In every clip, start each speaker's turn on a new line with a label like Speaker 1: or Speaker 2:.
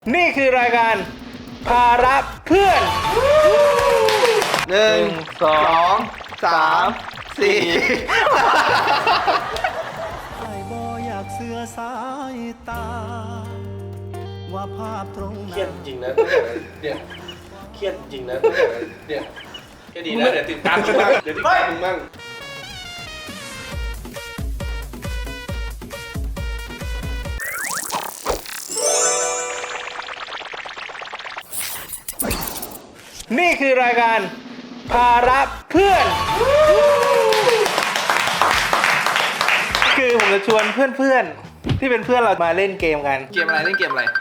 Speaker 1: นี่คือรายการภาระเพื่อน
Speaker 2: 1 2 3 4
Speaker 3: ไอ้บ่อยากเสือสายตา ว่าภาพตรง
Speaker 4: เครียดจริงนะเนี่ยเครียดจริงนะเนี่ยก็ดีนะเดี๋ยวติดตามมึงบ้างเดี๋ยวติดตามมึงบ้าง
Speaker 1: นี่คือรายการภาระเพื่อน คือผมจะชวนเพื่อนๆที่เป็นเพื่อนเรามาเล่นเกมกัน
Speaker 2: เกมอะไรเล่นเกมอะไร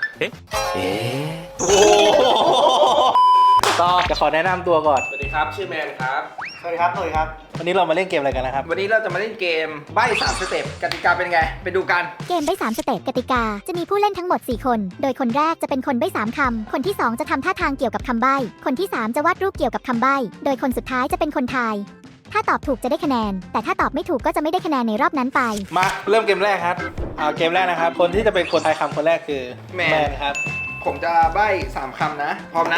Speaker 1: ต่อจะขอแนะนำตัวก่อน
Speaker 4: สวัสดีครับชื่อแมนครับ
Speaker 3: สวัสดีครับครับ
Speaker 1: วันนี้เรามาเล่นเกมอะไรกันนะครับ
Speaker 2: วันนี้เราจะมาเล่นเกมใบ้3 สเต็ปกติกาเป็นไง ไปดูกัน
Speaker 5: เกมใบ้3 สเต็ปกติกา จะมีผู้เล่นทั้งหมด 4 คน โดยคนแรกจะเป็นคนใบ้3 คำ คนที่ 2 จะทำท่าทางเกี่ยวกับคำใบ้ คนที่ 3 จะวาดรูปเกี่ยวกับคำใบ้ โดยคนสุดท้ายจะเป็นคนทาย ถ้าตอบถูกจะได้คะแนน แต่ถ้าตอบไม่ถูกก็จะไม่ได้คะแนนในรอบนั้นไป
Speaker 1: มาเริ่มเกมแรกครับเอาเกมแรกนะครับ คนที่จะเป็นคนทายคำคนแรกคือ
Speaker 2: แมน
Speaker 1: ครับ
Speaker 2: ผมจะใบ้3 คำนะ พร้อมนะ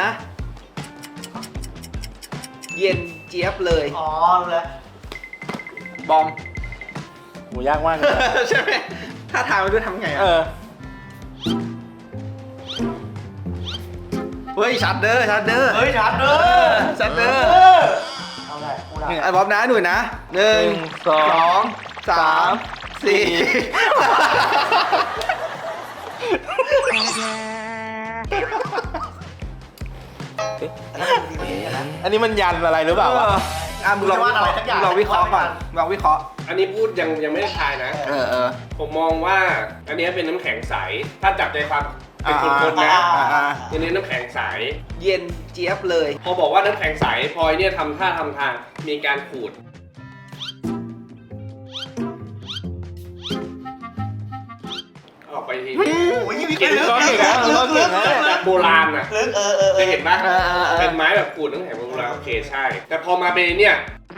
Speaker 2: เย็นเจี๊ยบเลย
Speaker 3: อ๋อรู้แล้ว
Speaker 2: บอม
Speaker 1: หมูยากมากเลย
Speaker 2: ใช่ไหมถ้าทายมาด้วยทำไง
Speaker 1: เอ
Speaker 2: อ่ะ
Speaker 1: อ
Speaker 2: เฮ้ยชัดเด้อชัดเด้อ
Speaker 3: เฮ้ยชัดเด้อ
Speaker 2: ชัดเด้อ
Speaker 3: เอาได้กูได้
Speaker 2: ไอ้บอมนะหนุ่ยนะ1 2 3
Speaker 1: อันนี้มันยันอะไรหรือเปล่าวะ
Speaker 2: 4มึงลองวิเคราะห์ลองวิเคราะห์ก่อนลองวิเคราะห์
Speaker 4: อันนี้พูดยังไม่ได้ทายนะ
Speaker 2: เออ
Speaker 4: ผมมองว่าอันนี้เป็นน้ำแข็งใสถ้าจับใจความเป็นคนๆนะอันนี้น้ำแข็งใส
Speaker 2: เย็นเจี๊ยบเลย
Speaker 4: พอบอกว่าน้ำแข็งใสพลอยเนี่ยทำท่าทำทางมีการขูดออกไปที
Speaker 3: โอ้ยมีเก่ง
Speaker 1: ก็เก่งนะก็เก่งนะ
Speaker 4: แบบโบราณน่ะ
Speaker 3: ลึก
Speaker 4: เคยเห็นปะ
Speaker 2: เออ
Speaker 4: เป็นไม้แบบขูดน้ำแข็งโบราณโอเคใช่ แต่พอมาเป็นเนี่ย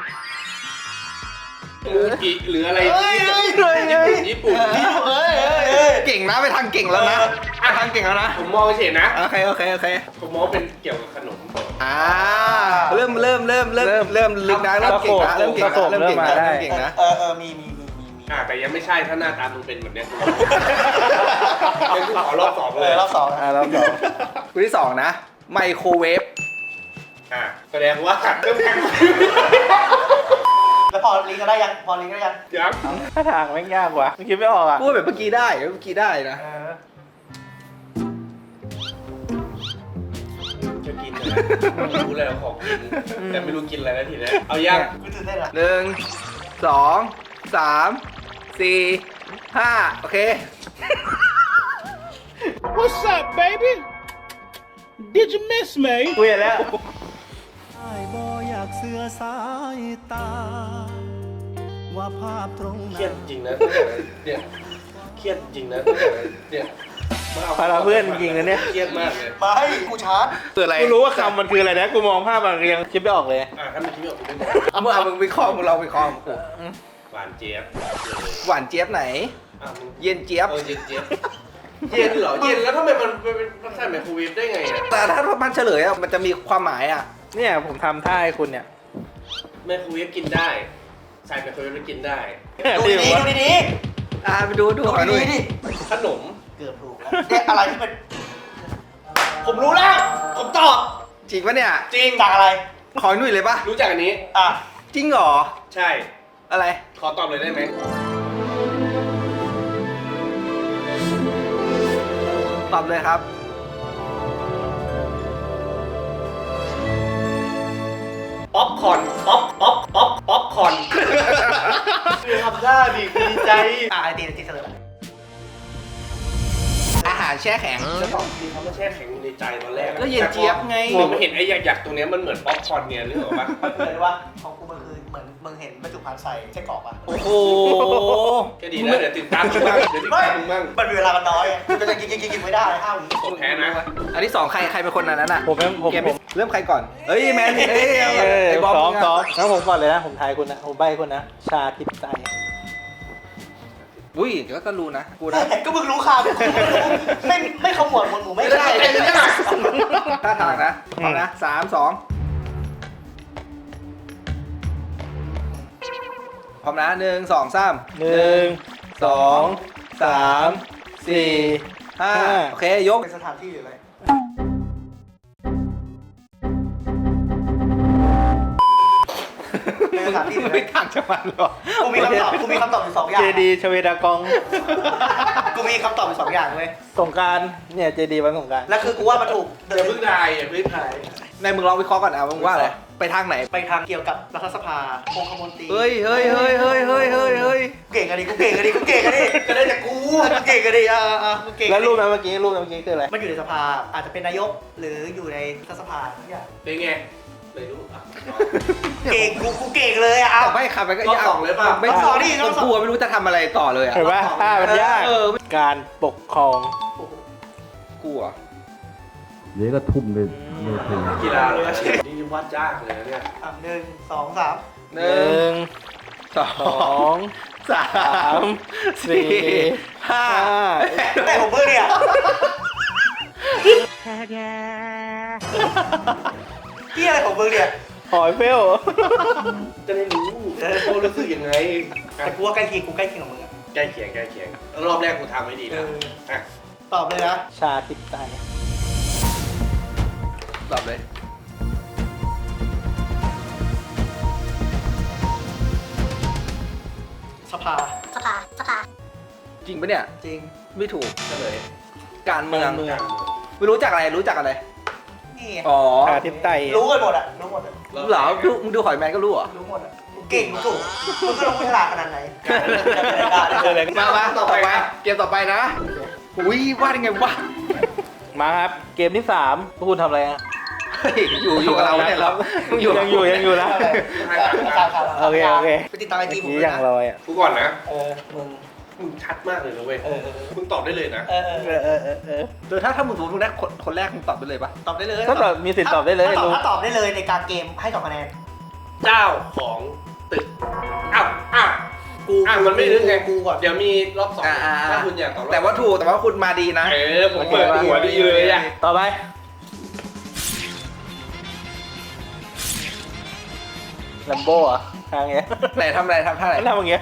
Speaker 4: มูกิหรืออะไรญี่ปุ่น
Speaker 2: เก่งนะไปทางเก่งแล้วนะไปทางเก่งแล้วนะ
Speaker 4: ผมมองเฉยนะ
Speaker 2: โอเค
Speaker 4: ผมมองเป็นเกี่ยวกับขนม
Speaker 2: เริ่มลึกนะเริ่มเก่งนะเริ่มเก่งนะเริ่มเก่งนะเริ่มเก่งนะ
Speaker 3: มี
Speaker 4: แต่ยังไม่ใช่ถ้าหน้าตามึงเป็นแบบเนี้ยเป็นกูขอรอบสองเลย
Speaker 3: รอบสอง
Speaker 1: รอบสอง
Speaker 2: คู่ที่2นะไมโครเวฟ
Speaker 4: แสดงว่าเริ่มแข่ง
Speaker 3: แล้วพอลิงก็ได้ยัง
Speaker 4: ยัง
Speaker 1: ถ้าทางไม่งยากว่ะคิดไม่ออกอ่ะ
Speaker 2: พูดแบบเมื่อกี้ได้นะ
Speaker 4: จะกินเลยรู้เลยว่าของกินแต่ไม่รู้กินอะไรแล้วทีนี้เอายัง
Speaker 3: กูตื่นเต้นอ่ะ
Speaker 2: 1 2 3 4 5โอเค
Speaker 6: What's up, baby? Did you miss me?
Speaker 1: กูเห็นแล้ว
Speaker 3: ไอ้บ่อยากเสือสายตา ว่าภาพตรง
Speaker 4: เครียดจริงนะเนี่ยเครียดจริงนะเนี่ยมาเอา
Speaker 1: ภาระเพื่อนจริงๆนะเนี่ย
Speaker 4: เครียดมากเลย
Speaker 3: ไม่กูชาร์จ
Speaker 2: คืออะไร
Speaker 1: กูรู้ว่าคำมันคืออะไรนะ กูมองภาพมันยังคิดไม่ออกเลย
Speaker 4: ถ้ามันคิดไม่ออกกูไม่บอก
Speaker 2: มึงวิเคราะห์มึงเราวิเคราะห์
Speaker 4: หวานเจี๊ยบ
Speaker 2: หวานเจี๊ยบไหน
Speaker 4: มึง
Speaker 2: เย็นเจี๊ยบ
Speaker 4: เย็นเจี๊ยบเย็นเหรอเย็นแล้วทำไมมันเป็นใส่ไมโครเวฟได้ไงอ่ะ
Speaker 2: แต่ถ้ามันเฉลยอะมันจะมีความหมายอะ
Speaker 1: เนี่ยผมทำท่าให้คุณเนี่ย
Speaker 4: ไมโครเวฟกินได้ใส่ไมโครเวฟแล้วกินได้
Speaker 3: ดูดี
Speaker 2: ไปดูขอหน่อย
Speaker 4: ขนม
Speaker 3: เกือบถูกเนี่ยอะไรที่เป็นผมรู้แล้ว ผมตอบ
Speaker 2: จริงปะเนี่ย
Speaker 4: จริง
Speaker 3: จากอะไร
Speaker 2: ขอหน่อยเลยปะ
Speaker 4: รู้จักอันนี้
Speaker 3: อ่ะ
Speaker 2: จริงเหรอ
Speaker 4: ใช่
Speaker 2: อะไร
Speaker 4: ขอตอบเลยได้ไหม
Speaker 2: ตอบเลยครับ
Speaker 4: ป๊อปคอร์นป๊อปคอร์นคือทำหน้าดีดีใจ
Speaker 3: ไอตีเสลอ
Speaker 2: อาหารแช่แข็ง
Speaker 4: จะตอบจริงเขาไม่แช่แข็งอยู่ในใจตอนแรก
Speaker 2: ก็เย็นเจี๊ยบไง
Speaker 4: ผมเห็นไอ้หยักๆตรงเนี้ยมันเหมือนป๊อปคอร์นเนี่ยนึกออกปะ
Speaker 3: เลยว่าของกูมันคือเหมือนมึงเห็นบรรจุภัณฑ์ใส่ไส้กรอกป่ะ
Speaker 2: โอ้โห
Speaker 4: ก็ดีนะเดี๋ยวติดตามมึงบ้างเดี๋ยวติดตามมึงบ้าง
Speaker 3: มันมีเวลามันน้อยก็จะกินไม่ได้5 วิ
Speaker 4: ผมแพ้นะ
Speaker 2: อันที่2ใครเป็นคนนั้นน่ะ
Speaker 1: ผมผม
Speaker 2: เกมเริ่มใครก่อนเอ้ยแมนไอ้บอม
Speaker 1: ซ้อมงั้นผมก่อนเลยนะ ผมทายคุณนะ ผมใบ้คุณนะ ชาทิพย์ใจ
Speaker 2: อุ้ยก็รู้นะกูนะ
Speaker 7: ก็มึงรู้ข่าวไม่ขมวดหมวดหมู่ไม่ได้
Speaker 2: ท่าทางนะพร้อมนะ3 2พร้อมนะ1 2 3
Speaker 1: 1 2 3 4
Speaker 2: 5โอเคยก
Speaker 7: เป็นสถานที่หรืออะไรเป็นสถานที่หรืออะไร
Speaker 2: ไม่ต่างจากมันหรอก
Speaker 7: กูมีคำตอบอยู่สองอย่าง
Speaker 1: เจดีชเวดากอง
Speaker 7: กูมีคำตอบอยู่สองอย่างเลย
Speaker 1: สงกรารเนี่ยเจดีวันสงกราร
Speaker 7: แล้วคือกูว่ามันถูก
Speaker 4: อย่าเพิ่งทายอย่าเพิ่งทาย
Speaker 2: ในมึงลองวิเคราะห์ก่อนนะมึงว่าอะไรไปทางไหน
Speaker 7: ไปทางเกี่ยวกับรัฐสภาองคมนตรี
Speaker 2: เฮ้ย
Speaker 7: เก่งกันดิกูเก่งกันดิก็ได้แต่กูเก่งกันดิกูเก่ง
Speaker 1: แล้วรูปนั้นเมื่อกี้คืออะไร
Speaker 7: มันอยู่ในสภาอาจจะเป็นนายกหรืออยู่ในรัฐสภาทุกอย่าง
Speaker 4: เป็นไงไม่รู้อ่ะ
Speaker 7: เก่งกูเก่งเลยอ่ะ
Speaker 2: ไม่ขับไปก็
Speaker 4: รอบสองเลยป่ะ
Speaker 2: ไม่
Speaker 7: รอบสองดิรอบสอง
Speaker 2: กลัวไม่รู้จะทำอะไรต่อเลยอ่ะ
Speaker 1: เห็นปะถ้ามันยาก
Speaker 2: เออ
Speaker 1: การปกครอง
Speaker 2: กลัว
Speaker 8: เดี๋ยวก็ทุ่มเลยเลยที
Speaker 4: กีฬาเลยนี่วาดยากเลยนะเนี่ย
Speaker 7: 1 2 3
Speaker 1: หนึ่ง
Speaker 2: สอ
Speaker 1: สอง
Speaker 2: สา
Speaker 1: สาม สี่
Speaker 2: ห้า
Speaker 7: ไอ้ผมเพื่อนเนี่ย พี่อะไรของมึงเนี่ย
Speaker 1: หอยเฟล
Speaker 4: จะได้รู้โอ้รู้สึกยังไง
Speaker 7: แต่กูว่าใกล้เคียงกับมึงอะ
Speaker 4: ใกล้เคียงรอบแรกกูทำไม่ดีนะอ่ะ
Speaker 7: ตอบเลยนะ
Speaker 1: ชาติไตย
Speaker 2: ตอบเลย
Speaker 7: สภา
Speaker 2: จริงปะเนี่ย
Speaker 7: จริง
Speaker 2: ไม่ถูก
Speaker 4: เฉลย
Speaker 2: การเมือง
Speaker 1: เมือง
Speaker 2: ไม่รู้จักอะไร
Speaker 7: นี่ไง
Speaker 2: อ๋อ
Speaker 1: ชาติไตย
Speaker 7: รู้กันหมดอะรู้หมดอะ
Speaker 2: เหรอมึงดูหอยแมนก็รู้เหรอ
Speaker 7: รู้หมดอะกูเก่งกูถูกมึงก็ต้องฉลาดขนาดไหน
Speaker 2: มาต่อไปเกมต่อไปนะอุ้ยวาดยังไงวะ
Speaker 1: มาครับ เกมที่3พวกคุณทำอะไรอ่ะ
Speaker 2: เฮ้ยอยู่กับเราเนี่ยเราอยู่
Speaker 1: ยังอยู่นะ โอเค
Speaker 7: ไปติดตามไอจีผม
Speaker 1: นี่
Speaker 7: ด้วย
Speaker 1: ยัง
Speaker 7: นะ
Speaker 1: ลอยอ่ะ
Speaker 4: กูก่อนนะ
Speaker 7: มึง
Speaker 4: ชัดมากเลยนะเว้ยมึงตอบได้เลยนะ
Speaker 2: โดยถ้ามึงถูกมึงได้คนแรกมึงตอบไปเลยปะ
Speaker 7: ตอบได้เลย
Speaker 1: ถ้าตอบมีสิทธิ์ตอบได้เลย
Speaker 7: ถ้าตอบได้เลยในการเกมให้2คะแนน
Speaker 4: เจ้าของตึกอ้าวมันไม่ลึกไง
Speaker 7: กูก่อน
Speaker 4: เดี๋ยวมีรอบสองถ้าคุณอยากตอบรอบ
Speaker 2: แต่ว่าถูกแต่ว่าคุณมาดีนะ
Speaker 4: ผมเปิดหัวดีเลยอ่ะ
Speaker 1: ต่อไปลัมโบ้อะทางเงี้ย
Speaker 2: ไหนทำอะไรทำท่าไหน
Speaker 1: มันทำอย่างเงี้ย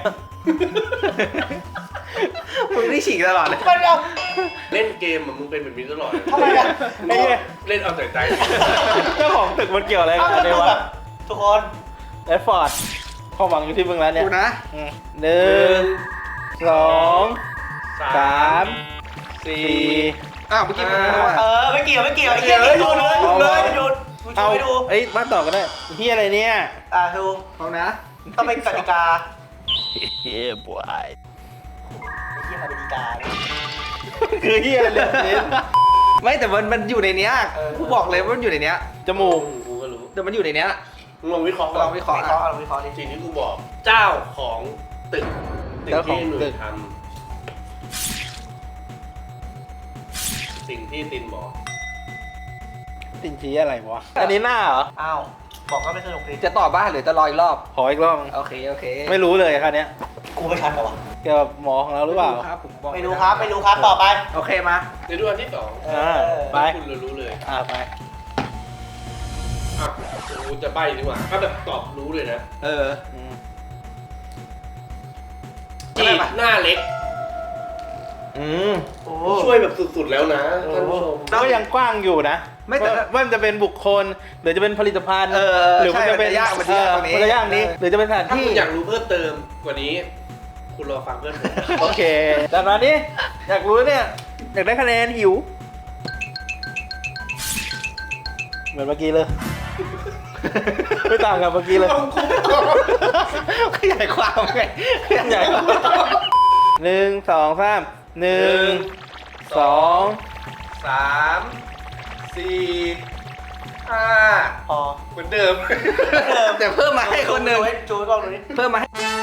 Speaker 2: มึงนี่ฉีกตลอดเลย
Speaker 7: มันเอา
Speaker 4: เล่นเกมอะมึงเป็นแบบนี้ตลอด
Speaker 7: ทำไมอะ
Speaker 1: ไอ้เหี้ย
Speaker 4: เล่นเอาแต่ใจ
Speaker 1: เจ้าของตึกมันเกี่ยวอะไร
Speaker 7: เอา
Speaker 1: กับ
Speaker 7: มัน
Speaker 1: อะไร
Speaker 7: ดูแบ
Speaker 1: วะ
Speaker 7: บทุกคน
Speaker 1: แอดฟอร์ดความหวังอยู่ที่มึงแล้วเนี่ย
Speaker 2: กูนะ
Speaker 1: หนึ่งสองสามสี่
Speaker 2: อ้าวเมื่อกี้มึงไม่รู้
Speaker 7: ไม่เกี่ยวไอ้เหี้ยหยุดเลยกูช่
Speaker 1: เอา
Speaker 7: วยดู
Speaker 1: เอ้ยมาต่อก็ได้เฮียอะไรเนี่ย
Speaker 7: ดู
Speaker 2: เอานะ
Speaker 7: ต้องเป็นกติกา
Speaker 1: เฮียบวย
Speaker 7: เหี้ยกติกา
Speaker 1: คือเฮียอะไรเนี่ย
Speaker 2: ไม่แต่มันอยู่ในเนี้ยกูบอกเลยว่ามันอยู่ในเนี้ย
Speaker 1: จมูก
Speaker 4: กูก็รู้
Speaker 2: แต่มันอยู่ในเนี้ย
Speaker 4: มึงลองวิเคราะห์
Speaker 2: ลองวิเคราะห์
Speaker 7: เราวิเคราะห์ดิ
Speaker 4: สิ่งที่กูบอก เจ้าของตึกที่หนุ่ยทำสิ่งที่ตินบอก
Speaker 1: ตินชี้อะไรวะอันนี้หน้าเหรอ
Speaker 7: อ้าวบอกว่าไม่สนุกดิ
Speaker 2: จะตอบบ้าหรือจะรออีกรอบ
Speaker 1: ขออีกรอบ
Speaker 2: โอเค
Speaker 1: ไม่รู้เลยคราวเนี้ย
Speaker 7: กูไม่ชัดเหรอวะ
Speaker 1: เกี่ยวกับหมอของเราหรือเปล่า
Speaker 2: ครับผมบอก
Speaker 7: ไม่รู้ครับต่อไป
Speaker 2: โอเคมา
Speaker 4: ในดูอันที่สอง
Speaker 1: ไป
Speaker 4: คุณรู้เลย
Speaker 1: ไป
Speaker 4: อ่ะกูจะใบ้ดีกว่าถ้าแบบตอบรู้เลยนะ
Speaker 2: เออ
Speaker 4: จีบหน้าเล็ก
Speaker 7: โอ้
Speaker 4: ช่วยแบบสุดๆแล้วนะท่านผู้ชม
Speaker 1: ก็ยังกว้างอยู่นะ
Speaker 2: ไม่แต่
Speaker 1: ว่ามันจะเป็นบุคคลหรือจะเป็นผลิตภัณฑ์ หรือมันจะเป็น
Speaker 2: ใช่มันจะยากกว่านี้
Speaker 1: มันจะยากนี้ หรือจะเป็นสถาน
Speaker 4: ถ้า
Speaker 1: ที่
Speaker 4: คุณอยากรู้เพิ่มเติมกว่านี้ คุณรอฟังเพื่อนผม
Speaker 1: โอเคแต่ตอนนี้อยากรู้เนี่ยอยากได้คะแนนหิว เหมือนเมื่อกี้เลย ไม่ต่างกับเมื่อกี้เลย
Speaker 2: ขยายความไงขยายความ
Speaker 1: หนึ่งสองสามหนึ่งสอง
Speaker 4: 3 4 5
Speaker 7: พอ
Speaker 4: เหมือนเดิม
Speaker 2: แต่เพิ่มมาให้คนหนึ่ง
Speaker 7: จูให้กล้องดูนี่
Speaker 2: เพิ่มมา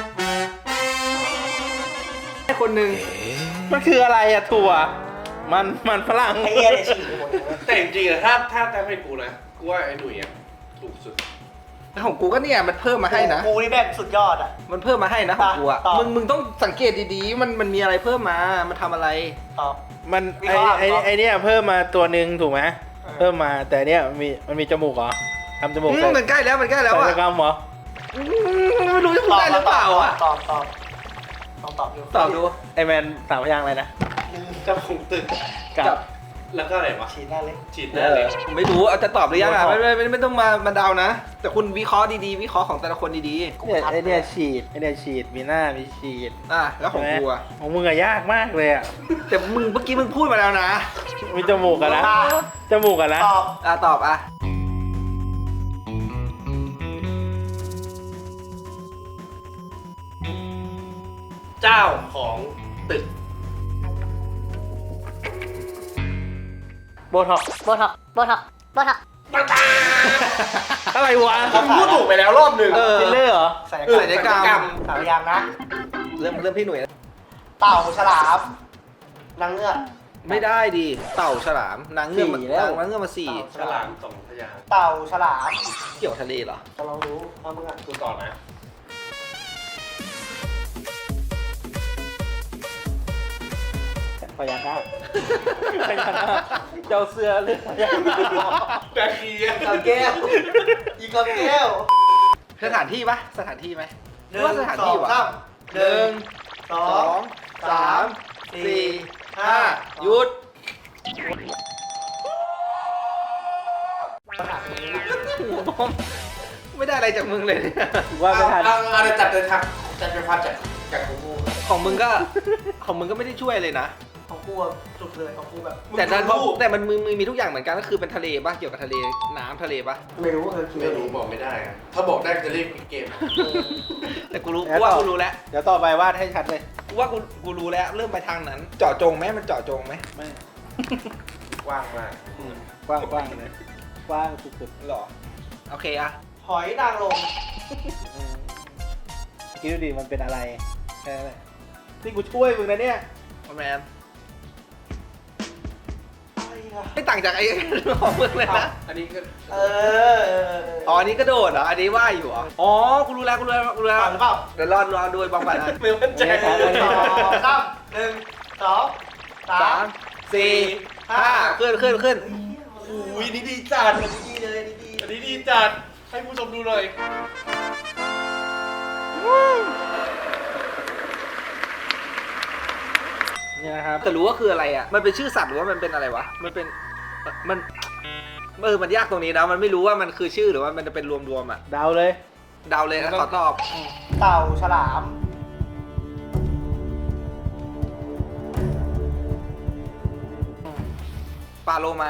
Speaker 2: ให้คนหนึ่ง
Speaker 1: มันคืออะไรอะถั่ว มันฝรั่ง
Speaker 7: ไอ้เหี้ยเนี่ยฉีกไปหมดเลย
Speaker 4: แต่จริงๆอะถ้าให้กูนะกูว่าไอ้หนุ่ยอะถูกสุด
Speaker 2: ของกูก็เนี่ยมันเพิ่มมาให้นะ
Speaker 7: กูนี่แม่งสุดยอดอ่ะ
Speaker 2: มันเพิ่มมาให้นะของกูอะ
Speaker 7: ตอบ
Speaker 2: มึงต้องสังเกตดีๆมันมีอะไรเพิ่มมามันทำอะไร
Speaker 7: ตอบ
Speaker 1: มัน
Speaker 7: วิเคราะห์
Speaker 1: ไอเนี่ยเพิ่มมาตัวหนึ่งถูกไหม
Speaker 7: เออ
Speaker 1: เพิ่มมาแต่เนี่ยมันมีจมูกเหรอทำจมูก
Speaker 2: มันใกล้แล้วมันใกล้แล้ว
Speaker 1: ใส่
Speaker 2: อะ
Speaker 1: ตะกร้ามเหรอ
Speaker 2: ไม่รู้จะพูดได้หรือเปล่าอะ
Speaker 7: ตอบต้องตอบอยู่
Speaker 2: ตอบดู
Speaker 1: ไอแมนสามพยางค์อะไรนะ
Speaker 4: เจ้าของตึก
Speaker 1: กับ
Speaker 4: แล้วก็อะไรวะ
Speaker 7: ฉีดหน้าเล็ก
Speaker 4: ฉีดหน้าเลย
Speaker 2: ผมไม่รู้เอาจะตอบหรือยังอะ
Speaker 1: โบท็อกซ์
Speaker 2: ไม่ต้องมาเดานะ แต่คุณวิเคราะห์ดีๆวิเคราะห์ของแต่ละคนดี
Speaker 1: เนี่ยไอเนี่ยฉีดไอเนี่ยฉีดมีหน้ามีฉีด
Speaker 2: ๆอ่ะแล้วของกูอะ
Speaker 1: ของมึงอะยากมากเลยอะ
Speaker 2: แต่มึงเมื่อกี้มึงพูดมาแล้วนะ
Speaker 1: มีจมูกกันนะจมูกกันนะ
Speaker 7: ตอบ
Speaker 2: อ่ะตอบอ่ะ
Speaker 4: เจ้าของตึก
Speaker 1: โบท็อกซ์
Speaker 5: โบท็อกโบท็อกโบท็อก
Speaker 1: อะไรวะ
Speaker 4: ผมพูดถูกไปแล้วรอบหนึ่ง
Speaker 1: ฟิลเลอร์เหรอ
Speaker 7: ใส่
Speaker 2: ศัลยกรรม
Speaker 7: สามอย่างนะ
Speaker 2: เริ่มพี่หนุ่ย
Speaker 7: เต่าฉลามนางเงือก
Speaker 2: ไม่ได้ดิเต่าฉลามนางเงือก
Speaker 1: สี่แล้ว
Speaker 2: นางเงือกมาสี่
Speaker 4: ฉลามสองพยางค์
Speaker 7: เต่าฉลาม
Speaker 2: เกี่ยวทะเลเหรอ
Speaker 7: จะลองรู้เอามึงอ่ะ
Speaker 4: กูต่อนะ
Speaker 1: พยางค์หน้าพยางค์หน้าเจ้าเสื้อเลือกพยางค์หน้า
Speaker 4: แบคทีเรีย
Speaker 7: กับแก้วอีกกับแก้ว
Speaker 2: สถานที่ปะสถานที่ไหม
Speaker 7: หนึ่ง
Speaker 2: ว่าสถาน
Speaker 7: สอ
Speaker 2: ที่
Speaker 7: ง
Speaker 2: วะ
Speaker 7: สาม
Speaker 2: หนึ่ง
Speaker 7: สอ
Speaker 2: สอง งสามสี่ห้าหยุด
Speaker 7: สถานนี้
Speaker 2: ไม่ได้อะไรจากมึงเลยเนี่ย
Speaker 1: ว่าไม่ทัน
Speaker 4: เอาจับเลยครับจับเป็นภาพจากกู
Speaker 2: ของมึงก็ไม่ได้ช่วยเลยนะ
Speaker 7: ของกูอะสุดเลยของกูแบบ
Speaker 2: แต่นั้นแต่มันมึงมีทุกอย่างเหมือนกันก็คือเป็นทะเลปะเกี่ยวกับทะเลน้ำทะเลปะ
Speaker 7: ไม่รู้คิด
Speaker 4: ไม่รู้บอกไม่ได้อะถ้าบอกได้จะเรียกเกม
Speaker 2: แต่กูรู้กูว่ากูรู้แล้ว
Speaker 1: เดี๋ยวต่อไปวาดให้ชัดเลย
Speaker 2: กูว่ากูรู้แล้วเริ่มไปทางนั้น เจาะจงไหมมันเจาะจงไหม
Speaker 1: ไม่
Speaker 4: กว้างมาก
Speaker 1: กว้างกว้างเลยกว้างสุด
Speaker 2: หรอโอเคอะ
Speaker 7: หอยนางรม
Speaker 1: ๆคิดดูดิมันเป็นอะไรแค่นั้นแหละที่กูช่วยมึงนะเนี่ย
Speaker 2: แมนไม่ต่างจากไอ้ ของมึงเลยนะ
Speaker 4: อันนี้ก็
Speaker 7: เออ
Speaker 2: อ๋ออันนี้กระโดดเหรออันนี้ว่ายอยู่เหรออ๋อกูรู้แล้ว
Speaker 7: เปล่าหรือเปล่า
Speaker 2: เดี๋ยวรอดูบางบัตร
Speaker 4: ไม่มั่นใจ
Speaker 1: ไม่ได้ครับ
Speaker 7: สองสามหนึ่งสองสา
Speaker 2: สาม มสี่ห้าขึ้น
Speaker 4: อุ้ยนี่ดีจัด
Speaker 7: ดีเลยดี
Speaker 4: อันนี้ดีจัดให้ผู้ชมดูหน่อย
Speaker 1: นี่นะครับ
Speaker 2: แต่รู้ว่าคืออะไรอ่ะมันเป็นชื่อสัตว์หรือว่ามันเป็นอะไรวะมันเป็นมันมันยากตรงนี้นะมันไม่รู้ว่ามันคือชื่อหรือว่ามันจะเป็นรวมๆอ่ะ
Speaker 1: เดาเลย
Speaker 2: เดาเลยนะขอตอบ
Speaker 7: เต่าฉลาม
Speaker 2: ปลาโลมา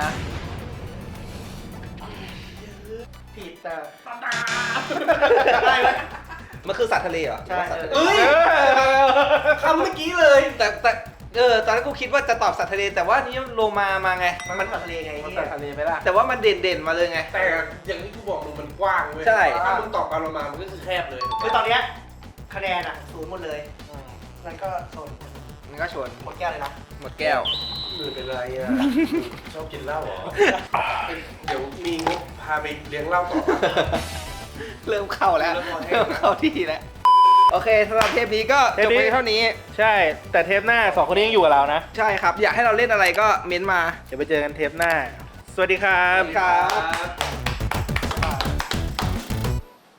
Speaker 7: ผิดแต่
Speaker 2: ได้ไหมมันคือสัตว์ทะเลเหรอ
Speaker 7: ใช่
Speaker 2: เอ้ย
Speaker 7: คำเมื่อกี้เลย
Speaker 2: แต่ตอนนั้นกูคิดว่าจะตอบสัตว์ทะเลแต่ว่านี่โลมาไง
Speaker 7: มันสัตว์ทะเลไง
Speaker 1: มันแต่ทะเลไหมล่ะ
Speaker 2: แต่ว่ามันเด่นมาเลยไง
Speaker 4: แต่อย่างที่กูบอกมึงมันกว้างเว้ย
Speaker 2: ใช่
Speaker 4: ถ้ามึงตอบปลาโลมามันก็คือแคบเลย
Speaker 7: คือตอนเนี้ยคะแนนอ่ะศูนย์หมดเลยนั่นก็โซน
Speaker 2: มันก็ชน
Speaker 7: หมดแก้วเลยนะ
Speaker 2: หมดแก้ว
Speaker 4: มือเป็นไรอ่ะ ชอบกินเหล้าเหรอ เดี๋ยวมีงบพาไปเลี้ยงเหล้าต่อ
Speaker 2: เริ่มเข้าแล้ว
Speaker 4: เริ่มเข้าให้
Speaker 2: เริ่มเข้าที่แล้วโอเคสำหรับเทปนี้ก็จบไปเท่านี้
Speaker 1: ใช่ แต่เทปหน้าสองคนนี้ยังอยู่กับเรานะ
Speaker 2: ใช่ครับ อยากให้เราเล่นอะไรก็เม้นต์มา
Speaker 1: เดี๋ยวไปเจอกันเทปหน้า สวัสดีครับ
Speaker 2: ครับ